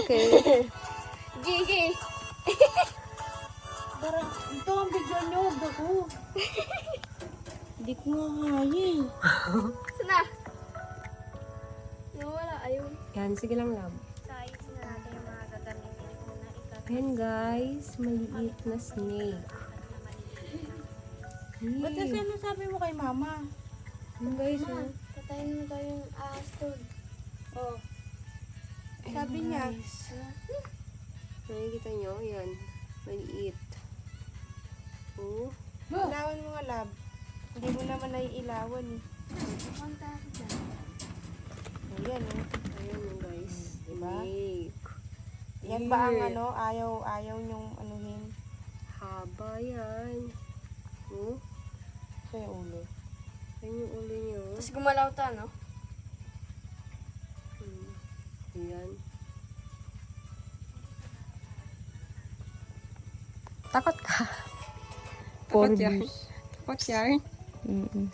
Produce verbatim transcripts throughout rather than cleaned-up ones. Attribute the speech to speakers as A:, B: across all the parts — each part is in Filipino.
A: Okay.
B: Gigi.
C: Parang, ito ang bigyan niyo, huwag ako. Hindi ko nga kaya eh.
B: Sana. Nawala, ayun.
A: Yan, sige lang, love.
B: Size na natin yung mga gagamitin ko na ikat.
A: Ayan, guys. Maliit na snake.
C: Ba't kasi
A: Hey.
C: ano sabi mo kay mama?
A: Ayan, guys, oh.
B: Patayin mo daw yung ahas doon.
C: Oh.
A: Ayan,
C: Sabi niya.
A: guys. Nakikita nyo? Yan. Maliit. Oh.
C: Ilawan mo nga, lab. Hindi mo naman naiilawan eh.
B: Punta ako dyan.
C: Ayan eh.
A: Ayan yun, guys.
C: Diba?
A: Snake.
C: Yan ba ang
A: Here.
C: ano, ayaw, ayaw niyong anuhin?
A: Haba yan. Oh.
C: Sa yung ulo.
A: Ayan yung ulo nyo.
B: Tapos gumalaw ta, no?
A: Hmm. Ayan. Takot ka. Takot yan. Takot yan.
C: Mm-mm.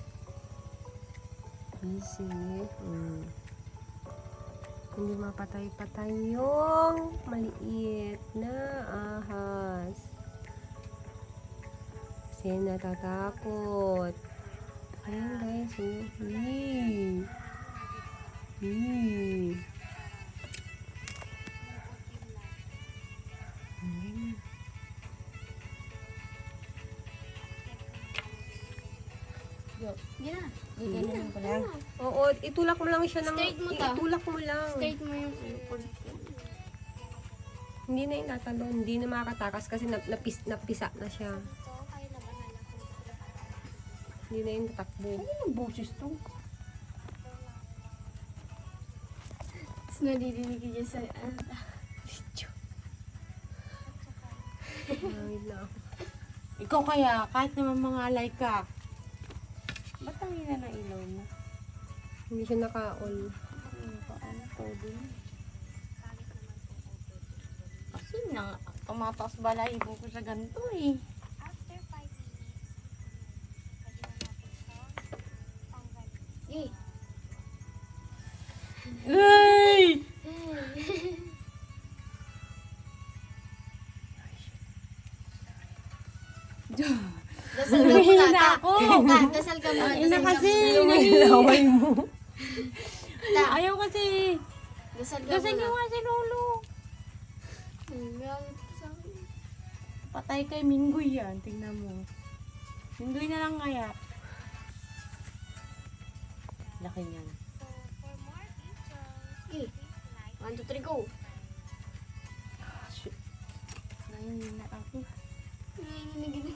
A: Easy. Hmm. Hindi mapatay-patay yung maliit na ahas. Kasi natatakot. Ayan guys. Oh. Yee. Yee. Ayan.
B: Hindi na.
C: Ganyan ko lang.
A: Oo, itulak mo lang siya ng...
B: Straight mo ta.
A: Itulak mo lang.
B: Straight mo yung ano ko.
A: Hindi na yung natalon. Hindi na makakatakas kasi nap, napis, napisa na siya. Hindi na yung tatakbo.
C: Ano yung boses to?
B: Tapos nadidinig ka dyan sa ano. Video.
A: Nangid na ako.
C: Ikaw kaya, kahit naman mga alay ka. Ba't ang hina na ilaw mo?
A: Hindi siya naka-all.
C: Ano pa ang todo? Kasi na, tumataas balahibo ko sa ganito eh.
B: Yay.
C: Ay!
B: Dasal ka muna.
C: Hihina
B: Ta.
C: ako.
B: Ta, dasal ka muna.
C: Ina
B: Dasal ka
C: kasi.
B: muna.
A: Laway mo.
B: Ta.
C: Ayaw kasi.
B: Dasal ka
C: Kasi
B: muna.
C: nga si Lolo.
B: Hmm, galit sa akin.
C: Patay kay Minggoy yan. Tingnan mo. Minggoy na lang kaya. Laki niyan.
B: Okay. One, two, three, go.
C: Shit. Nahihina ako.
B: Nanginginig